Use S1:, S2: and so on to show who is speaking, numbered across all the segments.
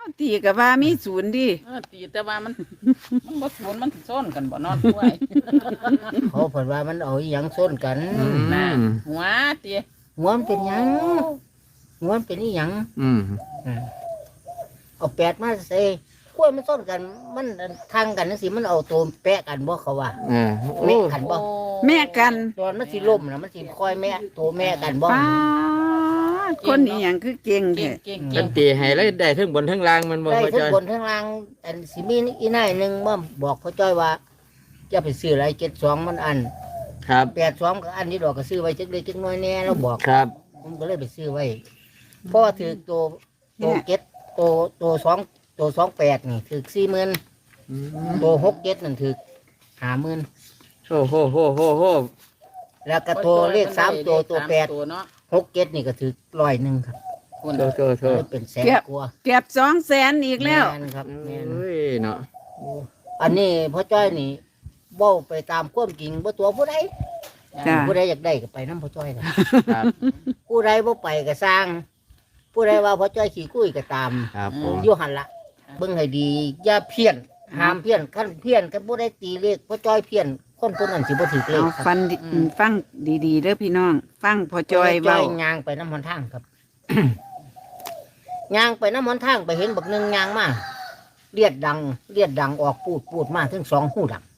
S1: ตีกับว่ามีศูนย์ดิ
S2: ตีแต่ว่ามันบ่สวนมันสิซ้อนกันบ่นอนด้วย
S3: เขาเพิ่นว่ามันเอาอีหยังส้นกัน
S2: น่ะหัวตี
S3: หัวมันเป็นหยังหัวมันเป็นอีหยัง
S4: อืม
S3: เอาแปดมาใส่กล้วยมันส้นกัน มันทางกันจังซี่มันเอาตัวแปะกันบ่เขาว่า
S4: โอ้
S3: แม่กันบ่
S1: แม่กัน
S3: ตอนมันสิล่มนะมันสิคอยแม่ตัวแม่กันบ่
S1: ป้าดคนนี้อย่างคือเก่ง
S2: เก่
S1: แท้
S2: งเก่ง
S4: กั
S2: เก่
S4: น
S2: ง
S4: ตีให้แล้วได้ทั้งบนทั้งล่างมันบ่
S3: ได้
S4: พ่อ
S3: ทั้
S4: จ้
S3: ง
S4: อย
S3: บนทั้งล่างอันสิมีอีนายหนึงมาบอกพ่อจ้อยว่าจะไปซื้ออะไร72มันอัน
S4: ครับ
S3: 82ก็อันนี้ดอกก็ซื้อไว้จักเล็กจักน้อยแน่แล้วบอก
S4: ครับ
S3: ผมก็เลยไปซื้อไว้เพราะว่าถือตัวเก็ตตัว28นี่ถือ40,000ตัว67นั่นถือ50,000
S4: โอ้โหโหโหโห
S3: แล้วก็ตัวเลข3ตัวตัว8
S2: ตัวเนาะ
S3: 67นี่ก็ถือ100ครับ
S2: คุณ
S4: โทษโทษโทษ
S3: เป็นแสนกว่า
S1: เก็บ200,000อีกแล้ว
S3: ม่นครับแม่น
S4: เฮ้ยเนาะ
S3: อันนี้พ่อจ้อยนี่เว้าไปตามความจริงบ่ตัวผู้ใด
S1: จ้ะ
S3: ผู้ใดอยากได้ก็ไปนำพ่อจ้อยน่ะ
S4: ครับ
S3: ผู้ใดบ่ไปก็สร้าง ผู้ใดว่าพ่อจ้อยขี้คุยก็ตาม
S4: ครับผม
S3: อยู่หั่นละเบิ่งให้ดีอย่าเพี้ยนห้ามเพี้ยนคันเพี้ยนกันบ่ได้ตีเลขพ่อจ้อยเพี้ยนคนคนนั้นสิบ่ถูกเล
S1: เอา
S3: ขครับ
S1: ฟันดิฟังดีๆเด้อพี่น้อง ฟังพอจอยเว้า
S3: ย่างไปน้ำหนทางครับ ย่างไปน้ำหนทางไปเห็นบักหนึงย่างมาเลียดดังออกปูดมาถึง2หูดัง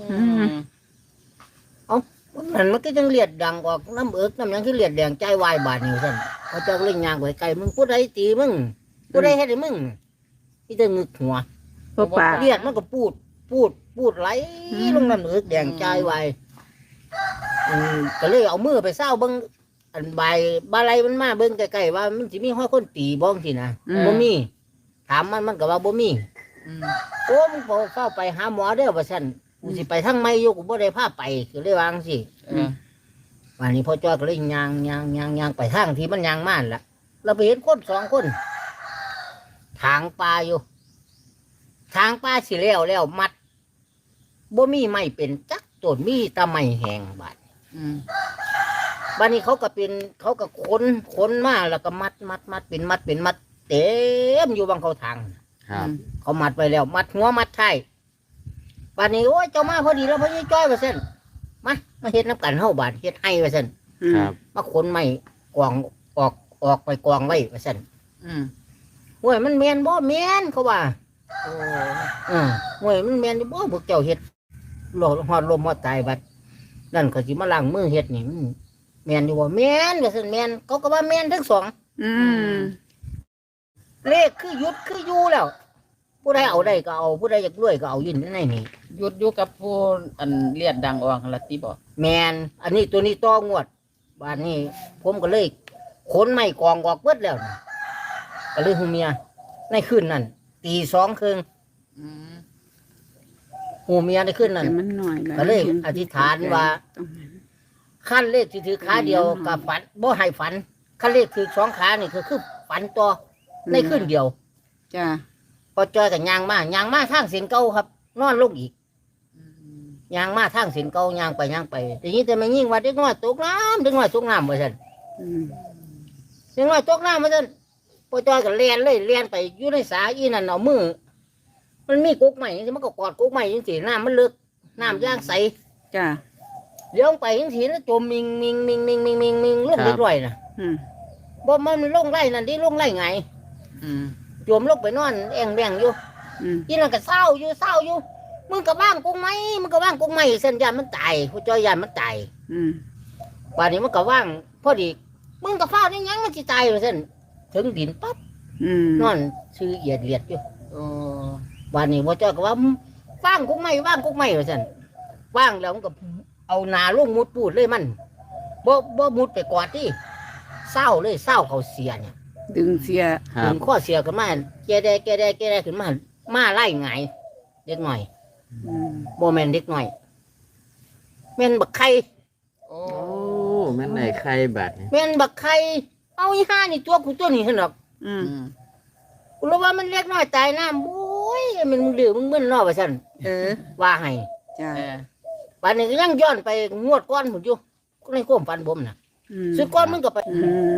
S3: มันก็จังเลียดดังออกน้ำเอิกน้ำหยังคือเลียดแดงใจวายบาดนี่ซั่นเขาเจ้าก็เล่นยางไว้ไกลมึงผู้ใดตีมึงผู้ใดเฮ็ดให้มึงที่จะงึกหัว
S1: พวกป่า
S3: เลียดมันก็พูดไหลลงน้ำเอิกแดงใจวายก็เลยเอามือไปเศร้าเบิ่งอันใบาลัยมันมาเบิ่งใกล้ๆว่ามันสิมีห้อยคนตีบ้องสินะบ่มีถามมันก็ว่าบ่มีโอ้มึงเข้าไปหาหมอเด้อว่าซั่นกูสิไปทางไม่อยู่กูบ่ได้พาไปก็เลยวาจั่งสิ วันนี้พ่อจ้อยก็เลยยางไปทางที่มันยางม่านละเราไปเห็นคน2 คนทางปลาอยู่ ทางปลาสิแล้วมัดบ่มีไม้เป็นจักต้นมีแตะไม้แห้งบาดบัดนี้เขาก็ขนมาแล้วก็มัดเป็นมัดเต็มอยู่บางเขาทาง
S4: ครับ
S3: เขามัดไปแล้วมัดหัวมัดท้ายบัดนี้โอ้ยเจ้ามาพอดีแล้วพ่อจ้อยว่าซั่นมาเฮ็ดน้ำกันเฮาบาดเฮ็ดให้ว่าซั่น
S4: ครับ
S3: มาขนไม้กองออกไปกองไว้ว่าซั่นห้วยมันแม่นบ่แม่นเขาว่าห้วยมันแม่นบ่พวกเจ้าเฮ็ดหลอดฮอดลมฮอดตายบัดนั่นเขาสิมาล้างมือเฮ็ดนี่มันแม่นอยู่บ่แม่นว่าซั่นแม่นเขาก็ว่าแม่นทั้งสอง
S1: อืม
S3: เลขคือหยุดคืออยู่แล้วผู้ใดเอาได้ก็เอาผู้ใดอยากรวยก็เอาอยู่ในนี่
S2: หยุดอยู่กับผู้อันเลียดดังออกหั่นละติบ่
S3: แม่นอันนี้ตัวนี้ต้องวดบาดนี้ผมก็เลยขนไม้กองออกเบิดแล้วนะก็เลยหูเมียในคืนนั้นตี2 ครึ่ง
S2: อืม
S3: หูเมียในคืนนั้น
S1: แต่มันหน่อยละ
S3: ก็เลยอธิษฐานว่า ขั้นเลขที่ถือขาเดียวกับฝันบ่ให้ฝันขั้นเลขถือ2 ขานี่คือฝันต่อในคืนเดียว
S1: จ้า
S3: พอจอยกับยางมาทางเส้นเก่าครับ นอนลงอีกยางมาทางเส้นเก่ายางไปแต่นี้แต่ไม่ยิ่งว่าเด็กน้อยตกน้ำว่าซั่น
S1: อืม
S3: เด็กน้อยตกน้ำว่าซั่นพอจอยก็เลียนไปอยู่ในสาอีนั่นเอามือมันมีกุ๊กใหม่จังซี่มันก็กอดกุ๊กใหม่จังซี่น้ำมันลึกน้ำย่างใส
S1: จ้า
S3: เลี้ยงไปจังซี่แล้วจมมิงลงเล็กน้อยน่ะ
S1: อืม
S3: บ่มันลงไร่นั่นดิลงไร่ไง
S2: อืม
S3: จมลงไปนอนแองแบงอยู่
S1: อืม
S3: อีนั่นก็เศร้าอยู่มึงก็ว่างกุ้งไหมเส้นยานมันตายผู้จอยยานมันตาย
S1: อืม
S3: ป่านนี้มันก็ว่างพอดีมึงก็เฝ้าได้ยังมันสิตายว่าซั่นถึงดินปั๊บ
S1: อืม
S3: นอนชื่อเอียดเลียดอยู่
S2: โอ้
S3: ป่านนี้ผู้จอยก็ว่าว่างกุ้งไหมว่าซั่นว่างแล้วมันก็เอาหนาลงมุดปูดเลยมันบ่มุดไปกอดที่เศร้าเขาเสียเนี่ย
S1: ดึงเสีย
S4: ครั
S3: ถึ
S4: บ
S3: งข้อเสียขึ้นมาแกได้ขึ้นมาไล่ไงายเด็กหน่อย
S1: อืม
S3: โมเมนเด็กหน่อยแม่นบักไข่
S2: โอ้
S4: โอ้แม่นไหนใครบัดนี่
S3: แม่นบักไข่เอาอีห่านี่ตัวกูตัวนี้หั่นดอก
S1: อืม
S2: อืม
S3: กูรู้ว่ามันเล็กน้อยตายน้ำโอ้ยมันมึงดื้อมึงมึนเนอว่าซั่น
S1: เออ
S3: ว่าให้
S1: จ้า
S2: เออ
S3: ป่านนี้ก็ยังย้อนไปงวดก้อนพุ่นอยู่ในความฝันผมน่ะ
S1: อืม
S3: สุดก้อนมึงก็ไป
S1: อืม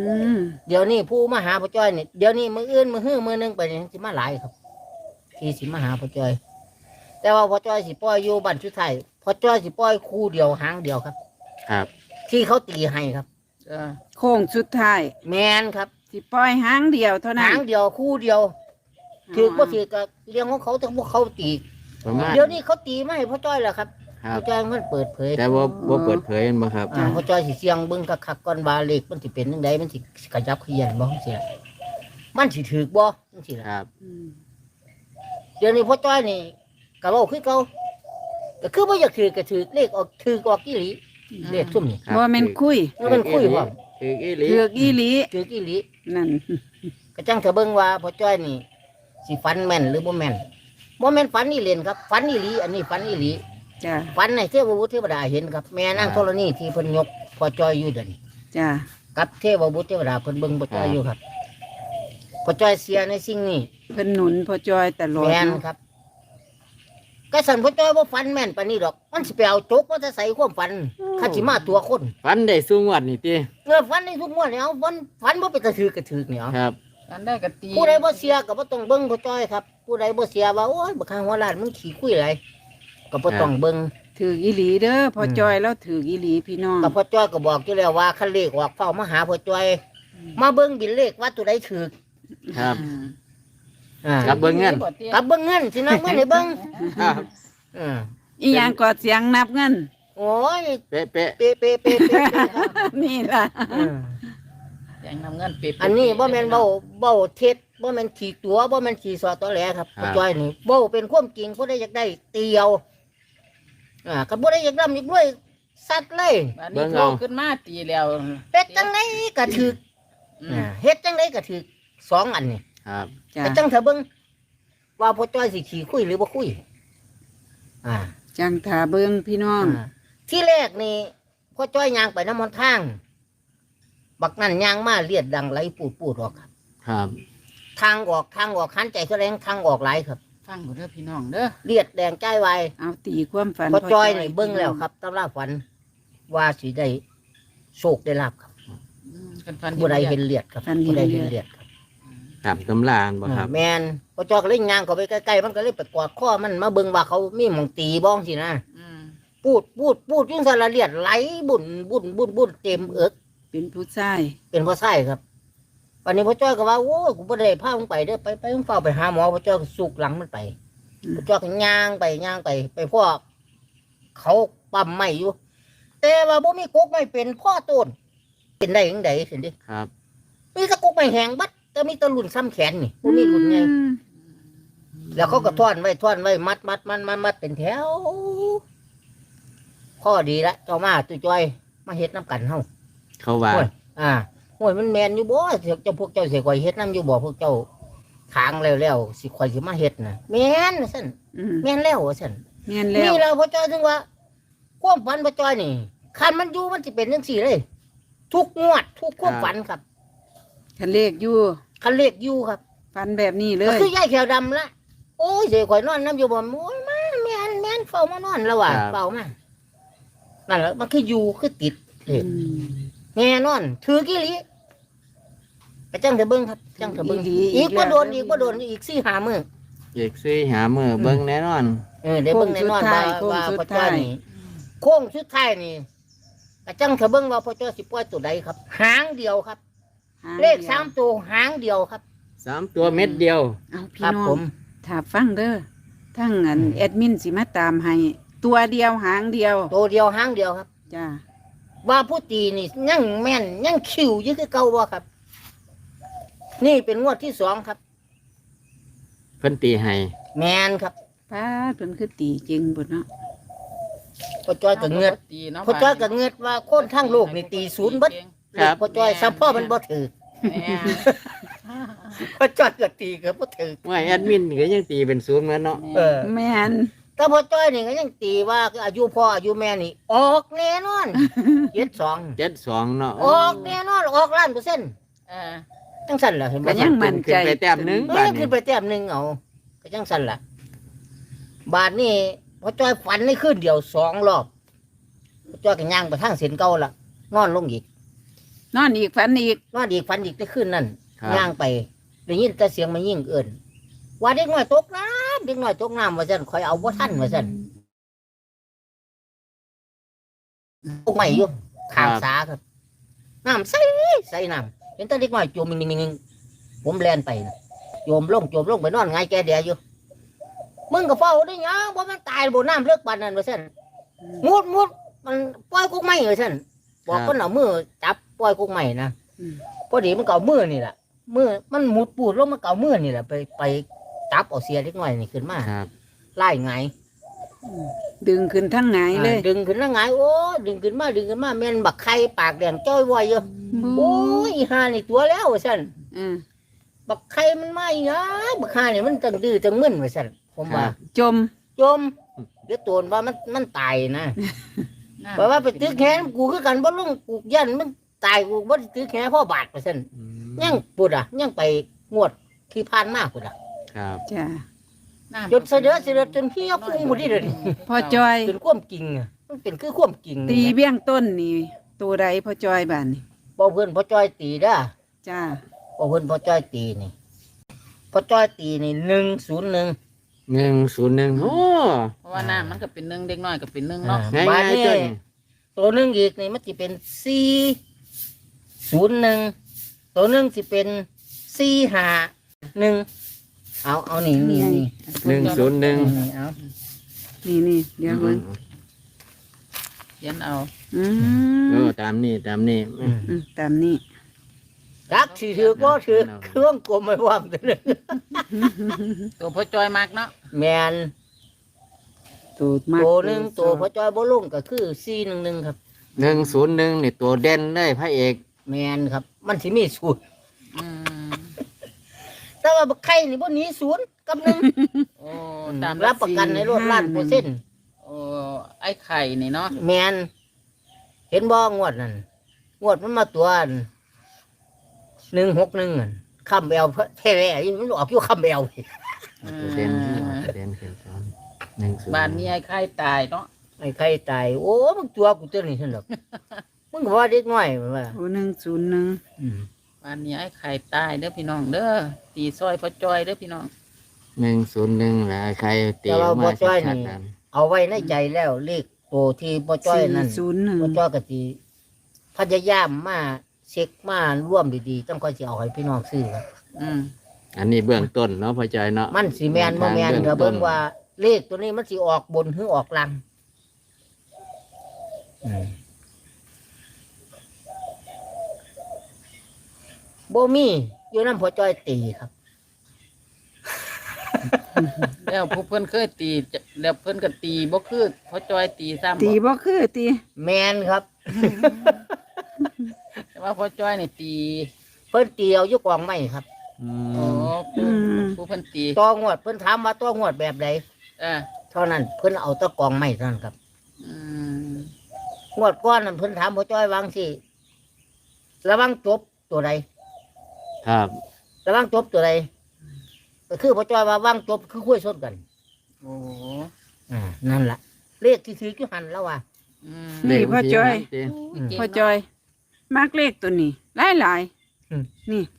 S1: ม
S3: เดี๋ยวนี้ผู้มาหาพ่อจ้อยนี่เดี๋ยวนี้มืออื่นมือฮื้อมือหนึงไปนี่สิมาหลายครับที่สิมาหาพ่อจ้อย แต่ว่าพ่อจ้อยสิปล่อยอยู่บ้านสุดท้ายพ่อจ้อยสิปล่อยคู่เดียวหางเดียวครับ
S4: ครับ
S3: ที่เขาตีให้ครับ
S1: โค้งสุดท้าย
S3: แมนครับ
S1: สิปล่อยหางเดียวเท่านั้
S3: หาน งเดียวคู่เดียวถือว่าถือกับเรื่องของเขาแต่พวกเขาตี
S4: ประมาณ
S3: เดี๋ยวนี้เขาตีไม่ให้พ่อจ้อยแล้วครับ
S4: ครับ
S3: พ่อจ้อยมันเปิดเผย
S4: แต่ว่าบ่เปิดเผยบ่ครับ
S3: พ่อจ้อยสิเสียงเบิ่งคักๆก่อนว่าเลขมันสิเป็นจังไดมันสิกระยับเขยันบ่จังซี่ล่ะมันสิถูกบ่จังซี่ล่ะ
S4: ครับ
S1: อืม
S3: เดี๋ยวนี้พ่อจ้อยนี่ก็เว้าคือเก่าก็คือบ่อยากถือก็ถือเลขออกถือออกอีหลีเลขซุ่มนี่
S4: ครับ
S1: บ่แม่นคุย
S3: มันคุยพร้อม
S4: คืออีหลี
S1: เถือกอีหลี
S3: ถืออีหลี
S1: นั่น
S3: ก็จังเถอะเบิ่งว่าพ่อจ้อยนี่สิฝันแม่นหรือบ่แม่นบ่แม่นฝันอีเล่นครับฝันอีหลีอันนี้ฝันอีหลี
S1: จ้า
S3: ฝันในเทพบุตรเทวดาเห็นครับแม่นางธรณีที่เพิ่นยกพ่อจ้อยอยู่เดี๋ยวนี้
S1: จ้า
S3: กับเทพบุตรเทวดาเพิ่นเบิ่งพ่อจ้อยอยู่ครับพ่อจ้อยเสียในสิ่งนี้
S1: เพิ่นหนุนพ่อจอยตลอด
S3: แม่น
S1: เนาะ
S3: ครับก็สั่นพ่อจ้อยบ่ฝันแม่นปานนี้ดอกมันสิไปเอาจกมาจะใส่ความฝันข้าสิมาตัวคน
S4: ฟันได้สูงวัดนี่ติ
S3: ฝันในทุกงวดเนี่ยเอาฝันบ่เป็นตะถือกระถือกเนี่ยเอา
S4: ครับ
S2: กันได้กะตี
S3: ผู้ใดบ่เสียก็บ่ต้องเบิ่งพ่อจ้อยครับผู้ใดบ่เสียว่าโอ้ยบักข้างหัวล้านมึงขี้คุยหลายก็บ่ต้องเบิ่ง
S1: ถือกอีหลีเด้อพ่อจอยแล้วถือกอีหลีพี่น้อง
S3: ก็พ่อจ้อยก็บอกอยู่แล้วว่าคันเลขออกเฝ้ามาหาพ่อจ้อย มาเบิ่งบินเลขว่าตัวใดถูก
S4: ครับ
S3: อ่า
S4: ครับเบิ่งเงิน
S3: กับเบิ่งเงินสินับเงินให้เบิ่ง
S4: ครับ
S3: อ่า
S1: อีหยังก็เสียงนับเงิน
S3: โอ้ย
S4: เป๊ะ
S3: เป๊ะเป๊ะเป๊ะเป๊ะครับ
S1: นี่ล่ะ
S3: อืม
S2: ยังนำเงินเป๊ะๆ
S3: อันนี้บ่แม่นเบ้าเท็จบ่แม่นขี่ตัวบ่แม่นขี่สอตอแหลครับพ่อจ้อยนี่เบ้าเป็นความจริงผู้ใดอยากได้เตียวก็บ่ได้อยากร่ำอยากรวยสัตว์เลย
S2: อันนี้โตขึ้นมาตีแล้ว
S3: เป็ดจังไดก็ถูก
S2: อืม
S3: เฮ็ดจังไดก็ถูกสองอันนี่
S4: ๆครับ
S1: จ้า
S3: แต่จังเถอะเบิ่งว่าพ่อจ้อยสิขี่คุยหรือบ่คุยอ่า
S1: จังถาเบิ่งพี่น้อง
S3: ที่แรกนี่พ่อจ้อยยางไปน้ำมันทาง บักนั่นยางมาเลียดดังไหลปูดออกครับ
S4: ครับ
S3: ทางออกหันใจแสดงทางออกไหลายครับ
S2: ฟังบ่เด้อพี่น้องเด้อ
S3: เลียดแดงใจไว
S1: เอาตีความฝัน
S3: พ่อจ้อยนี่เบิ้งแล้วครับตำราฝัน ว่าสิได้โชคได้ลาบครับ
S2: กันฟัน
S3: ผู้ใดเห็นเลียดครับผู้ใดเห็นเลียดครับ
S4: ครับตำรานบ่ครับ
S3: แมนพ่อจ้อยก็เล่นยางเข้าไปใกล้ๆมันก็เลยไปกอดข้อมันมาเบิ้งว่าเขามีหมองตีบ้องสินะ
S2: อืม
S3: พูดยุ่งสารเลียดไหลบุ่นเต็มเอิก
S1: เป็นผู้ชาย
S3: เป็นพ่อไส้ครับวันนี้พ่อจ้อยก็ว่าโอ้ยกูบ่ได้พามึงไปเด้อไปมึงเฝ้าไปหาหมอพ่อจ้อยก็สุกหลังมันไปพ่อจ้อยก็ย่างไปพ่อเขาปั๊มไม่อยู่ แต่ว่าบ่มีกกไม่เป็นพ่อต้นเป็นได้ยังไงเห็นดิ
S4: ครับ
S3: มีแตะกกไม่แห้งบัดแต่มีแตะรุ่นซ้ำแขนนี่บ่มีรุ่นไงแล้วเขาก็ท่อนไว้มัดเป็นแถวพ่อดีละเจ้ามาตุจ้อยมาเฮ็ดน้ำกันเฮา
S4: เขาว่า
S3: โอ้ยโอ้ยมันแมนอยู่บ่เจ้าพวกเจ้าสิข่อยเฮ็ดน้ำอยู่บ่พวกเจ้าขางแล้วสิข่อยสิมาเฮ็ดน่ะแม่นซั่น
S1: อืม
S3: แม่นแล้วซั่น
S1: แม่นแล้
S3: นี่
S1: ว
S3: เราพ่อจ้อยถึงว่าความฝันพ่อจ้อยนี่คันมันอยู่มันสิเป็นจังซี่เลย ทุกงวดทุกความฝันครับ
S1: คันเลขอยู่
S3: คันเลขอยู่ครับ
S1: ฝันแบบนี้เล
S3: ก็
S1: ย
S3: คือยายแขวดำละโอ้ยสิข่อยนอนน้ำอยู่บ่โอ้ยมาแม่นเฝ้ามานอนแล้วว่ะเฝ้ามานั่นแหละมันคืออยู่คือติดเลข แน่นอนถือกี่ลิไปจังเถอะเบิ้งครับจังเถอะเบิ้งอีกบ่โดนอีก4-5มื้อ
S4: อีกซี่หามือเบิ่งแน่นอน
S3: ได้เบิ้งแน่นอนว่าพ่อจ้อยนี่โค้งสุดท้ายนี่ก็จังเถอะเบิ้งว่าพ่อจ้อยสิปล่อยตัวใดครับ หางเดียวครับ เลข3ตัวหางเดียวครับ
S4: 3 ตัวเม็ดเดียว
S1: เอาพี่
S3: ครับ
S1: น้อ
S3: ผ
S1: ง
S3: ม
S1: ถ้าฟังเด้อทั้งอันแอดมินสิมาตามให้ ตัวเดียวหางเดียว
S3: ตัวเดียวหางเดียวครับ
S1: จ้า
S3: ว่าผู้ตีนี่ยังแม่นยังคิวอยู่คือเก่าบ่ครับ นี่เป็นงวดที่2ครับ
S4: เพิ่นตีให้
S3: แม่นครับ
S1: ป้าดเพิ่นคือตีจริงบ่เนาะ
S3: พ่อจ้อยก็เงือด
S2: ตีเนาะ
S3: พ่อจ้อยก็เงือดว่าคนทั้งโลกนี่ตีศูนย์เบิด พ่อจ้อยซัพพ่อมันบ่ถือ
S2: แม่
S3: พ่อจ้อยก็ตีก็บ่ถือ
S4: ว่าแอดมินก็ยังตีเป็นศูนย์เหมือนเนาะ
S1: แม่น
S3: แต่พ่อจ้อยนี่ก็ยังตีว่าอายุพ่ออายุแม่นี่ ออกแน่นอน72
S4: 72เนาะ
S3: ออกแน่นอนออก1,000,000%
S2: เออ
S3: จังสั่นล่ะเห็นบ่
S1: ก็ยังมั่นใจ
S4: ขึ้นไปแต้มหนึง
S3: เอ้
S4: บาย ด
S3: ยัง
S4: นี้
S3: ขึ้นไปแต้มหนึงเอาก็จังสั่นล่ะ บาดนี้พ่อจ้อยฝันในคืนเดียว2 รอบพ่อจ้อยก็ย่างไปทางเส้นเก่าล่ะนอนลงอีก
S1: นอนอีกฝันอีก
S3: นอนอีกฝันอีกได้ขึ้นนั่น
S4: ครับ
S3: ย่างไปได้ยินแต่เสียงมันยิ่งเอิ่นว่าเด็กน้อยตกน้ำเด็กน้อยตกน้ำว่าซั่นคอยเอาบ่ทันว่าซั่นตกใหม่อยู่ข้างสาครับน้ำใสใสน้ำเห็นแต่เด็กน้อยจมนิ่งๆผมแล่นไปนะโยมลงไปนอนไงแกเดียอยู่มึงก็เฝ้าได้ยังว่ามันตายบ่น้ำเลิกปานนั้นว่าซั่นมุดมันปล่อยกุกไม้ว่าซั่นบอกคนเอามือจับปล่อยกุกไม้นะ
S1: อืม
S3: พอดีมันเก่ามือนี่แหละมือมันหมุดปูดลงมันเก่ามือนี่แหละไปจับเอาเสียเล็กน้อยนี่ขึ้นมา
S4: ครับ
S3: ไล่ไง
S1: ดึงขึ้นทั้งไงายเลย
S3: ดึงขึ้นแล้วไงโอ้ดึงขึ้นมาแม่นบักไข่ปากแดงจ้อยวอยอยู่โอ้ยอีห่านี่ตัวแล้วว่าซั่น
S1: อืม
S3: บักไข่มันไม่นะบักห่านี่มันจังดื้อจังมึนว่าซั่นผมว่า
S1: จม
S3: จมเดี๋ยวตัวว่ามันตายนะเพราะว่าไปตึกแขนกูคือกันบ่ลงกูยันมันตายกูบ่ได้ตึกแขนพ่อบาดว่าซั่น
S4: อืม
S3: ยังปุดอ่ะยังไปงวดที่ผ่านมาปุดอ่ะ
S4: ครับ
S1: จ้า
S3: จนเสด็จจนเฮียฟุ้งหมดที่เลย
S1: พ่อจอย
S3: จนความจริงอ่ะมันเป็นคือความจริง
S1: ตีเบี้ยงต้นนี่ตัวใดพ่อจอยบ้านนี่
S3: พอเพื่อนพ่อจ้อยตีเด้อ
S1: จ้า
S3: พอเพื่อนพ่อจ้อยตีนี่พ่อจ้อยตีนี่101
S4: 101โอ้
S2: เพราะว่าน้ำมันก็เป็นหนึ่งเด็กน้อยก็เป็นหนึ่งเนาะ
S4: ง่าย
S3: บาด
S4: ๆ
S3: นี้
S4: จน
S3: ตัวหนึงอีกนี่มันจะเป็น401ตัวหนึงสิเป็น451เอานี่นี่
S4: 101
S3: เอา
S1: นี่เดี๋ยวเบิ่ง
S2: เขียนเอา
S1: อื
S4: เอ
S1: ม
S4: อตามนี้
S1: ตามนี้
S3: รักสิถือก็ถือเครื่องกลมไม่ว่างเลย
S2: ตัวพ่อจอยมากเนาะ
S3: แมน
S1: ตัวมาก
S3: ตัวหนึงตัวพ่อจ้อยบ่ลงก็คือ411ครับ
S4: 101นี่ตัวเด่นเลยพระเอก
S3: แมนครับ มันสิมีศูนย์
S2: อืม
S3: แต่ว่าบักไข่นี่บ่หนีศูนย์กับหนึ่ง
S2: โอ้ตาม
S3: รับประกันในรถล้านเปอร์เซ็นต์
S2: โอ้ไอ้ไข่นี่เนาะ
S3: แมนเห็นบ่งวดนั่นงวดมันมาตัว161นั่นคำแอลแท้ๆมันออกอยู่คำแอล
S4: ตัวเด่นตัวเด่นขึ้นซ้อน101
S2: บ้านนี้ไอ้ไข่ตายเนาะ
S3: ไอ้ไข่ตายโอ้มึงตัวกูตัวนี้ซั่นดอกมึงก็ว่าเด็กน้อยว่า
S1: โอ้101
S2: บ้านนี้ไอ้ไข่ตายเด้อพี่น้องเด้อตีซอยพ่อจอยเด้อพี่น้อง
S4: 101แล้วใครตีออกมาชัดๆนั้น
S3: เอาไว้ในใจแล้วเลขตัวที่บ่จ้อยนั่น บ่
S1: 401
S3: จ้อยก็สิพยายามมาเช็คมาร่วมดีๆต้องค่อยสิเอาให้พี่น้องซื้อครับ
S2: อืม
S4: อันนี้เบื้องต้นเนาะพ่อใจเนาะ
S3: มันสิแมนบ่แมน
S4: เบื้องต้น
S3: ก็เบิ่งว่าเลขตัวนี้มันสิออกบนหรือออกล่างบ่มีอยู่นำพ่อจ้อยตีครับ
S2: แล้วผู้เพิ่นเคยตีแล้วเพิ่นก็ตีบ่คือพ่อจอยตีซ้ำ
S1: ตีบ่คือตี
S3: แมนครับ
S2: แต่ว่าพ่อจอยนี่ตี
S3: เพิ่นตีเอาอยู่กองไม้ครับ
S4: อื
S2: โอ้
S4: ม
S2: ผู้เพิ่นตี
S3: ต่องวดเพิ่นถามว่าต่องวดแบบใด
S2: เออ
S3: เท่านั้นเพิ่นเอาแตะกองไม้เท่านั้นครับ
S2: อืม
S3: งวดก้อนนั่นเพิ่นถามพ่อจ้อยวางสิระวังจบตัวใด
S4: ครับ
S3: ระวังจบตัวใดก็คือพ่อจ้อยว่าวางจบคือคุยสดกัน
S2: โอ้
S3: นั่นล่ะเลขที่ถือกี่หันแล้วว่า
S2: อืม
S1: นี่พ่อจอย
S2: เก่ง
S1: พ่อจอยมากเลขตัวนี้หลายๆนี่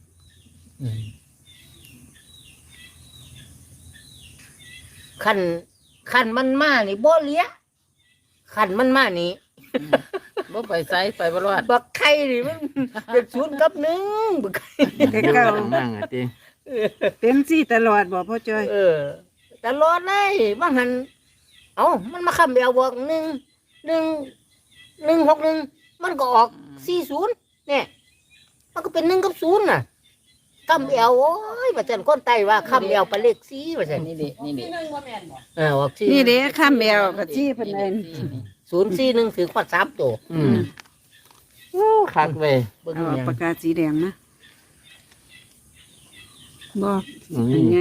S3: ขันมันมานี่บ่เหลี้ยขันมันมานี่
S2: บ่ไปไสไปบ่รอด
S3: บักไข่นี่มันเป็นศูนย์กับหนึ่งบักไข่
S1: แต่เก่า
S4: นั่งอ่ะติ
S1: เป็นสี่ตลอดบ่พ่อจอย
S3: ตลอดเลยบางหันเอามันมาคำเดียวบอก1 มันก็ออก40เนี่ยมันก็เป็น1กับ0น่ะคำเดียวโอ้ยว่าจันคนไต้ว่าคำเดียวเป็นเลข4ว่าจัน
S2: นี่ดินี่ดิ
S3: ออก4
S1: นี่เด้ข้ามแมวกับจี้เพิ่นเอิ้น
S3: 041ถือขวด3ตัว
S4: อืมโอ้คักเว้ย
S3: เบิ่ง
S1: เอา
S3: หยัง
S1: ปากกาสีแดงนะบ่
S4: อืม
S1: เป็นไง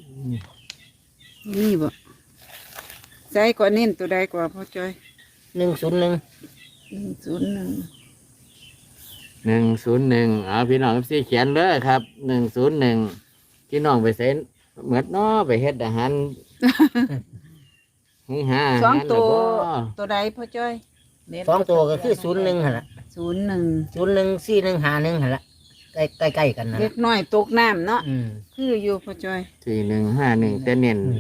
S1: นี่บ่ใส่กว่าเน้นตัวใดกว่าพ่อจอย
S3: 101
S1: 101
S4: 101พี่น้องสิเขียนเลยครับ101พี่น้องไปใส่เหมือนเนาะไปเฮ็ดอาหารหุงหาอา
S1: สอ
S4: หาง ร
S1: ตัว
S4: แล้วบ่
S1: ตัวใดพ่อจอย
S3: 2ตัวก็คือ01หั่นล่ะ
S1: 01
S3: 014151หั่นละใกล้ๆกันนะ
S1: เล็กน้อยตกน้ำเนาะ
S3: อืม
S1: คืออยู่พ่อจอย
S4: 4151แต่เน้น
S3: อืม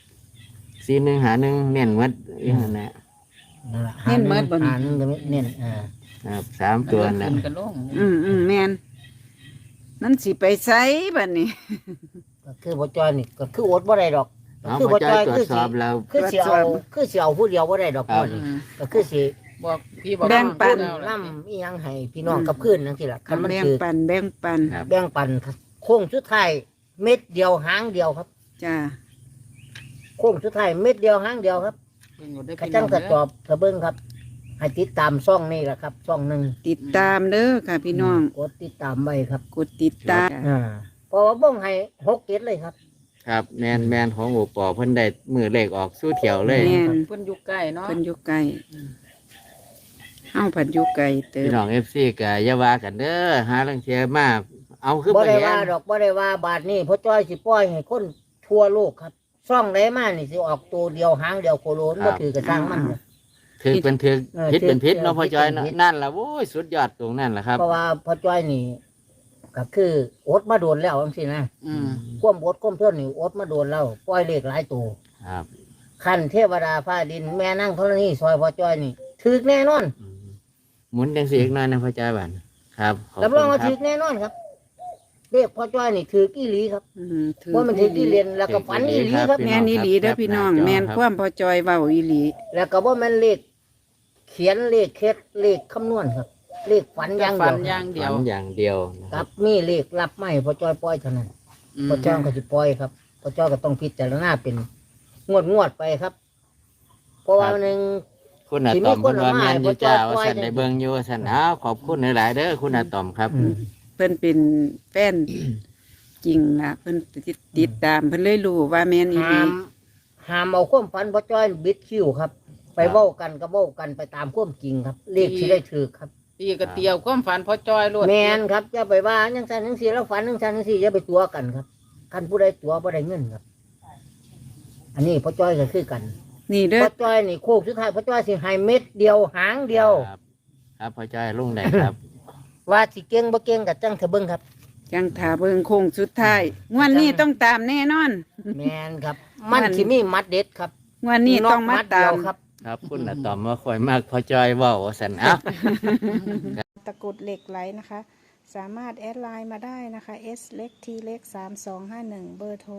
S4: 4151เน้นหมดอีกนั่นแหละ
S3: นั่นล่ะ
S1: เน้นเมิดบ่นี่
S3: หาหนึ่งก็เน้น
S4: ครับ3ตัว
S2: ขึ้
S4: นะ
S2: นกันลง
S1: แม่นมันสิไปไสบัดนี้
S3: ก็คือบ่จอยนี่ก็คืออดบ่ได้ดอก
S4: เอา
S3: คือ
S4: พอ
S3: บ่
S4: จ
S3: จ
S4: อ
S3: อย ย
S4: ตรว
S3: คื
S4: จ
S3: อ
S4: ส
S3: สิ
S4: อบแล้ว
S3: คือสิเอาผู้เดียวบ่ได้ดอก
S4: ครับ
S3: นี่
S2: อืม
S3: ก็คือสิ
S2: บอกพี่บอก
S1: แบ่งปัน
S2: น้อง
S3: นำอีหยังให้พี่น้องกับคืนจังซี่ล่ะคันมัน
S1: แบ่ง
S3: คือ
S1: ปันแบ่งปัน
S4: ครับ
S3: แบ่งปันโค้งสุดท้ายเม็ดเดียวหางเดียวครับ
S1: จ้า
S3: โค้งสุดท้ายเม็ดเดียวหางเดียวครับ
S2: เพิ่นบ่ได้
S3: กระ
S2: พี่
S3: จั
S2: น้
S3: ง
S2: อง
S3: กระ
S2: เด้
S3: จอบกระเบิ้งครับ ให้ติดตามช่องนี่แหละครับช่องหนึ่ง
S1: ติดตามเด้อค่ะพี่น้อง
S3: กดติดตามไว้ครับ
S1: กดติดตาม
S3: เพราะว่าบ้งให้6 7เลยครับ
S4: ครับแมนของโอปอเพิ่นได้มือเลขออกสู้เถียวเลย
S1: แม่น
S2: เพิ่นอยู่ใกล้เนาะ
S1: เพิ่นอยู่ไกลเฮาผัดอยู่ไกลเติ
S4: พี่
S1: บ
S4: น้อง FC ก็อย่าว่ากันเด้อหาลังเทียมาเอาคือ
S3: บ่
S4: บ่
S3: ได้
S4: เห็
S3: ว่าน ดอกบ่ได้ว่าบาทนี้พ่อจ้อยสิปล่อยให้คนทั่วโลกครับช่องไหนมานี่สิออกตัวเดียวหางเดียวโคโลนบ่ถือกระช่างมันครับ
S4: ถือเป็นถือ
S3: เออ
S4: ผิดเป็นผิดเนาะ
S3: ถือ
S4: พ่อจอย
S3: ผิดเป็น
S4: เนาะ
S3: ผิด
S4: นั่นล่ะโว้ยสุดยอดตรงนั่นล่ะครับ
S3: เพราะว่าพ่อจ้อยนี่ก็คืออดมาโดนแล้วจังซี่นะ
S2: อืม
S3: ความอดความทนนี่อดมาโดนแล้วปล่อยเลขหลายตัว
S4: ครับ
S3: คันเทวดาฟ้าดินแม่นั่งธรณีซอยพ่อจ้อยนี่ถึกแน่นอน
S4: อืมหมุนจังสีอีกหน่อยนะพ่อจอยบัดครับขอบ
S3: รับ
S4: คุ
S3: รอง
S4: ณ
S3: ว่า
S4: ครั
S3: ถึ
S4: บ
S3: กแน่นอนครับเลขพ่อจ้อยนี่ถือกี่หลีครับ
S1: ถือ
S3: ว่ามันถือกี่เรียนแล้วก็ฝันอีหลีครับ
S1: แม่นอีหลีเด้อพี่น้อง แม่นความพอจอยเว้าอีหลี
S3: แล้วก็ว่ามันเลขเขียนเลขเคล็ดเลขคำนวณครับ เลขฝันอย่าง
S2: ฟั
S3: เดี
S2: น
S3: ยว
S2: อย่างเดีย
S4: ฝั
S2: วน
S4: อย่างเดียวนะค
S3: กั
S4: รับบ
S3: มีเลขรับไม่พ่อจ้อยปล่อยเท่านั้น
S2: อืม
S3: พ่อจ้อยก็จะปล่อยครับพ่อจ้อยก็ต้องพิจารณาเป็นงวดไปครับ เพราะว่าหนึ่ง
S4: คุณอา
S3: สิมี
S4: ตอม
S3: คน
S4: เพิ่นว่า
S3: เอามา
S4: แม่นอยู่
S3: ให้
S4: จ้า
S3: พ่อจ้อย
S4: ว่าสันได้เบิ่งอยู่ว่าสันอ้าวขอบคุณหลายๆเด้อคุณอาตอมครับ
S1: เพิ่นเป็นแฟนจริงล่ะเพิ่นติดตามเพิ่นเลยรู้ว่าแม่นอีหลี
S3: ห้ามเอาความฝันพ่อจ้อยบิดคิวครับ ไปเว้ากันก็เว้ากันไปตามความจริงครับ เลขที่ได้ถือครับ
S2: ตีกระเตียวความฝันพ่อจ้อยโลด
S3: แมนครับอย่าไปว่าจังซั่นจังซี่แล้วฝันจังซั่นจังซี่อย่าไปตัวกันครับคันผู้ใดตัวบ่ได้เงินครับ อันนี้พ่อจ้อยก็คือกัน
S1: นี่เด้อ
S3: พ่อจ้อยนี่โคกสุดท้ายพ่อจ้อยสิให้เม็ดเดียวหางเดียว
S4: ครับครับพ่อจอยลุงได้ครับ
S3: ว่าสิเก่งบ่เก่งก็จังเถอะเบิ่งครับ
S1: จังถาเบิ่งโค้งสุดท้ายงวดนี้ต้องตามแน่นอน
S3: แมนครับ มันสิมีมัดเด็ดครับ
S1: งวดนี้ต้องมา
S3: ดเดี
S1: ตา
S3: ยว
S1: ม
S3: ครับ
S4: ครับคุณอาตอมว่าค่อยมากพ่อจอยเว้าว่าสันอ้าว
S5: ตะกรุดเหล็กไหลนะคะ สามารถแอดไลน์มาได้นะคะ S เล็ก T เล็ก3251 เบอร์โทร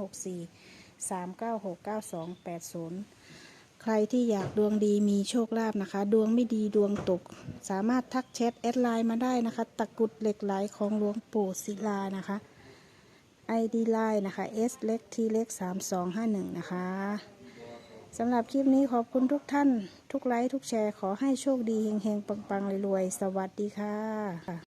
S5: 064 396 9280 ใครที่อยากดวงดีมีโชคลาภนะคะ ดวงไม่ดีดวงตก สามารถทักแชทแอดไลน์มาได้นะคะ ตะกรุดเหล็กไหลของหลวงปู่ศิลานะคะ ID ไลน์นะคะ S เล็ก T เล็ก3251 นะคะสำหรับคลิปนี้ขอบคุณทุกท่าน ทุกไลค์ ทุกแชร์ ขอให้โชคดี เฮงๆ ปังๆรวยๆ สวัสดีค่ะ